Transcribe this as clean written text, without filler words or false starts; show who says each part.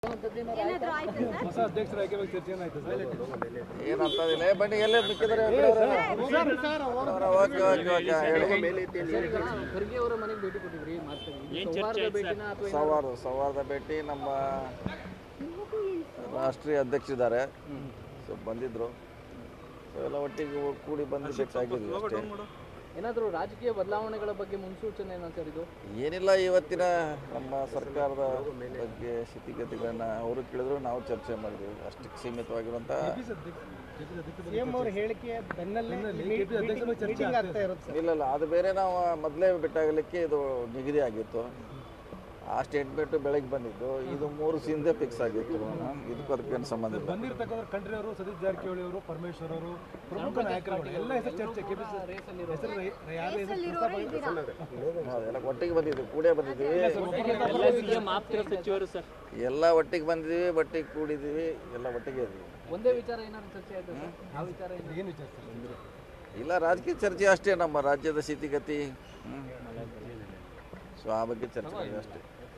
Speaker 1: ಹೊಸ ಅಧ್ಯಕ್ಷರ ಆಯ್ಕೆ ಬಗ್ಗೆ ಚರ್ಚೆ ಏನಾಯ್ತು ಸರ್?
Speaker 2: ಏನಂತದಿಲ್ಲ ಬನ್ನಿ ಎಲ್ಲೇ ಮಿಕ್ಕಿದ್ರೆ
Speaker 3: ಖರ್ಗೆ ಅವರ ಮನೆಗೆ ಭೇಟಿ ಕೊಟ್ಟಿದ್ರಿ
Speaker 2: ಸೌಹಾರ್ದ ಭೇಟಿ ನಮ್ಮ ರಾಷ್ಟ್ರೀಯ ಅಧ್ಯಕ್ಷರಿದ್ದಾರೆ ಸೊ ಬಂದಿದ್ರು ಸೊ ಎಲ್ಲ ಒಟ್ಟಿಗೆ ಕೂಡಿ ಬಂದು ಬೇಕಾಗಿದ್ವಿ ಅಷ್ಟೇ.
Speaker 3: ಏನಾದರೂ ರಾಜಕೀಯ ಬದಲಾವಣೆಗಳ ಬಗ್ಗೆ ಮುನ್ಸೂಚನೆ ಏನೋ ಸರ್ ಇದು?
Speaker 2: ಏನಿಲ್ಲ, ಇವತ್ತಿನ ನಮ್ಮ ಸರ್ಕಾರದ ಬಗ್ಗೆ ಸ್ಥಿತಿಗತಿಗಳನ್ನ ಅವರು ಕೇಳಿದ್ರು, ನಾವು ಚರ್ಚೆ ಮಾಡಿದ್ವಿ. ಅಷ್ಟಕ್ಕೆ ಸೀಮಿತವಾಗಿರುವಂಥ ಇಲ್ಲ ಅದು ಬೇರೆ. ನಾವು ಮೊದಲೇ ಬಿಟ್ಟಾಗಲಿಕ್ಕೆ ಇದು ನಿಗದಿ ಆಗಿತ್ತು. ಆ ಸ್ಟೇಟ್ಮೆಂಟು ಬೆಳಗ್ಗೆ ಬಂದಿದ್ದು, ಇದು 3 ಹಿಂದೆ ಫಿಕ್ಸ್ ಆಗಿತ್ತು. ಇದಕ್ಕೂ ಅದಕ್ಕೇನು ಸಂಬಂಧ ಇಲ್ಲ.
Speaker 1: ಬಂದಿರ್ತಕ್ಕಂಥ ಖಂಡ್ರೆ ಅವರು, ಸತೀಶ್ ಜಾರಕಿಹೊಳಿ ಅವರು, ಪರಮೇಶ್ವರ್ ಅವರು, ಪ್ರಮುಖ ನಾಯಕರುಗಳು ಎಲ್ಲ ಹೆಸರು ಚರ್ಚೆ
Speaker 2: ಎಲ್ಲ ಒಟ್ಟಿಗೆ ಬಂದಿದ್ವಿ, ಕೂಡೇ ಬಂದಿದ್ದೀವಿ. ಎಲ್ಲ ಒಟ್ಟಿಗೆ ಬಂದಿದ್ದೀವಿ, ಒಟ್ಟಿಗೆ ಕೂಡಿದ್ದೀವಿ, ಎಲ್ಲ ಒಟ್ಟಿಗೆ ಇದ್ದೀವಿ.
Speaker 3: ಒಂದೇ ವಿಚಾರ ಏನಾದ್ರು ಚರ್ಚೆ ಆಯ್ತು ಸರ್? ಆ ವಿಚಾರ
Speaker 1: ಏನು ವಿಚಾರ
Speaker 2: ಇಲ್ಲ, ರಾಜಕೀಯ ಚರ್ಚೆ ಅಷ್ಟೇ. ನಮ್ಮ ರಾಜ್ಯದ ಸ್ಥಿತಿಗತಿ ಸೊ ಆ ಬಗ್ಗೆ ಚರ್ಚೆ ಮಾಡಿದ್ವಿ ಅಷ್ಟೇ.